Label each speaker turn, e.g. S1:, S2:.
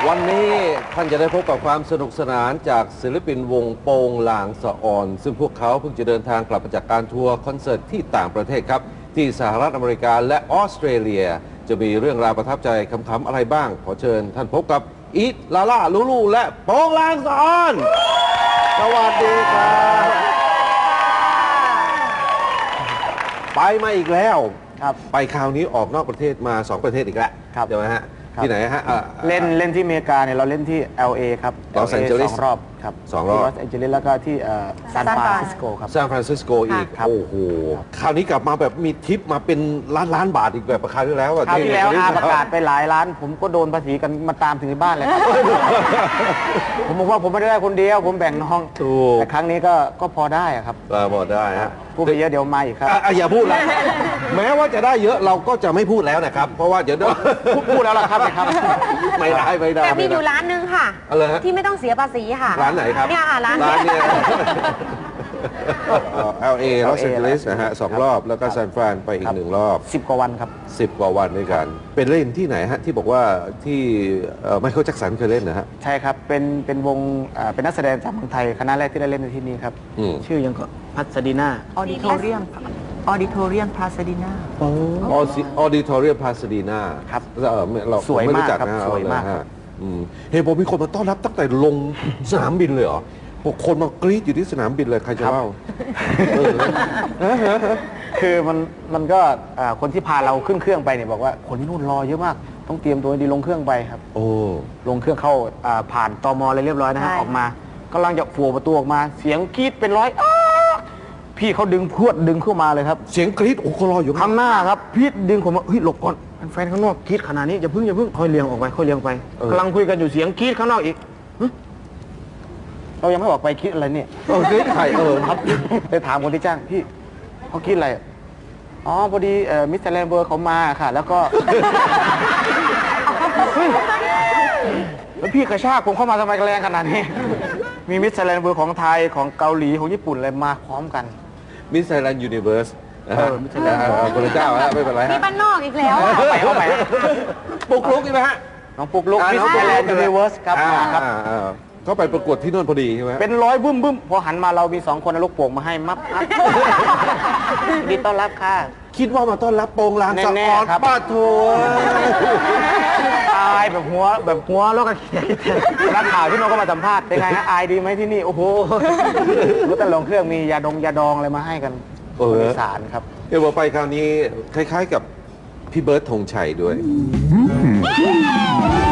S1: วันนี้ท่านจะได้พบกับความสนุกสนานจากศิลปินวงโปงลางสะออนซึ่งพวกเขาเพิ่งจะเดินทางกลับมาจากการทัวร์คอนเสิร์ตที่ต่างประเทศครับที่สหรัฐอเมริกาและออสเตรเลียจะมีเรื่องราวประทับใจคำๆอะไรบ้างขอเชิญท่านพบกับอีทลาล่าลูลูและโปงลางสะออนสวัสดีครับไปมาอีกแล้วครับไปคราวนี้ออกนอกประเทศมา2ประเทศอีกแล้วใช่ไหมฮะที่ไหนฮะ
S2: เล่นที่อเมริกาเนี่ยเราเล่นที่ LA ครับ
S1: ลอสแองเจลิส
S2: 2 รอบครับ
S1: 2 รอบ
S2: ลอสแองเจลิสแล้วก็ที่ซานฟรานซิสโกครับ
S1: ซานฟรานซิสโกอีกโอ้โหคราวนี้กลับมาแบบมีทิปมาเป็นล้านบาทอีกแบบคราวที่แล้ว
S2: คราวที่แล้วประกาศไปหลายล้านผมก็โดนภาษีกันมาตามถึงที่บ้านเลยครับผมบอกว่าผมไม่ได้คนเดียวผมแบ่งน้องแต่ครั้งนี้ก็พอได้ครับ
S1: พอได้ฮะ
S2: พูดไปเยอะเดี๋ยวมาอีกครับ
S1: อย่าพูดแล้วแม้ว่าจะได้เยอะเราก็จะไม่พูดแล้วนะครับเพราะว่าเดี๋ยว
S2: พูดแล้วล่ะครับ
S1: ไม่ได้
S3: แต่มีอยู่ร้านนึงค่ะที่ไม่ต้องเสียภาษีค่ะ
S1: ร้านไหนครับ
S3: เนี่ยค่ะร้าน
S1: เนี่ย LA ลอสแองเจลิสนะฮะ2 รอบแล้วก็ซานฟรานไปอีก1 รอบ
S2: 10 กว่าวันครับ
S1: 10 กว่าวันด้วยกันเป็นเล่นที่ไหนฮะที่บอกว่าที่ไมเคิลแจ็คสันเคยเล่นนะฮะ
S2: ใช่ครับเป็นวงเป็นนักแสดงจากเมืองไทยคณะแรกที่ได้เล่นในที่นี้ครับชื่อยังก็พัสดีนา
S3: ออดิโทเรียมพาสดีนา
S1: ออดิโทเรียมพาสดีนา
S2: ครับ
S1: เรา
S2: สวยมากครับสวยมาก
S1: เฮ้ยผมมีคนมาต้อนรับตั้งแต่ลงสนามบินเลยเหรอคนมากรี๊ดอยู่ที่สนามบินเลยใครจะเล่า
S2: คือมันก็คนที่พาเราขึ้นเครื่องไปเนี่ยบอกว่าคนที่นู่นรอเยอะมากต้องเตรียมตัวดีลงเครื่องไปครับ
S1: โอ้
S2: ลงเครื่องเข้าผ่านตม.อะไรเรียบร้อยนะฮะออกมากำลังจะฝัวประตูออกมาเสียงกรี๊ดเป็นร้อยพี่เขาดึงพรวดดึงเข้ามาเลยครับ
S1: เสียงกรี๊ดโอ้คนรออยู่
S2: ข้างหน้าครับพี่ดึงผมว่าเฮ้ยหลบก่อนแฟนข้างนอกกรี๊ดขนาดนี้อย่าเพิ่งค่อยเลี้ยงออกไปค่อยเลี้ยงไปกำลังคุยกันอยู่เสียงกรี๊ดข้างนอกอีกเรายังไม่ออกไปคิดอะไรเนี่ย
S1: คิดใคร
S2: ครับไปถามคนที่จ้างพี่เขาคิดอะไรอ๋อพอดีมิสเตอร์แลนเบอร์เขามาค่ะแล้วก็แล้วพี่กระชากผมเข้ามาทำไมแรงขนาดนี้มีมิสเตอร์แลนเบอร์ของไทยของเกาหลีของญี่ปุ่นอะไรมาพร้อมกัน
S1: มิสเตอร์แลนด์ยูนิเวิร์สพระเจ้าฮะไม่เป็นไรฮะ
S3: มีบ้านนอกอีกแล้ว
S2: เข้าไป
S1: ปุกลุกใช่ไหมฮะ
S2: น้องปุกลุกมิสเตอร์แลนด์ยูนิเวิร์สครับ
S1: เขาไปประกวดที่นู่นพอดีใช่ไหม
S2: เป็นร้อยบึ้มพอหันมาเรามี2 คนลูกโป่งมาให้มับดีต้อนรับค่ะ
S1: คิดว่ามาต้อนรับโปงลางสะออนป้าโถ
S2: อายแบบหัวแล้วก็นักข่าวที่น้องก็มาสัมภาษณ์เป็นไงฮะอายดีไหมที่นี่โอ้โหรู้แต่ลงเครื่องมียาดองอะไรมาให้กันสารครับ
S1: เดี๋ยวไปคราวนี้คล้ายๆกับพี่เบิร์ดธงชัยด้วย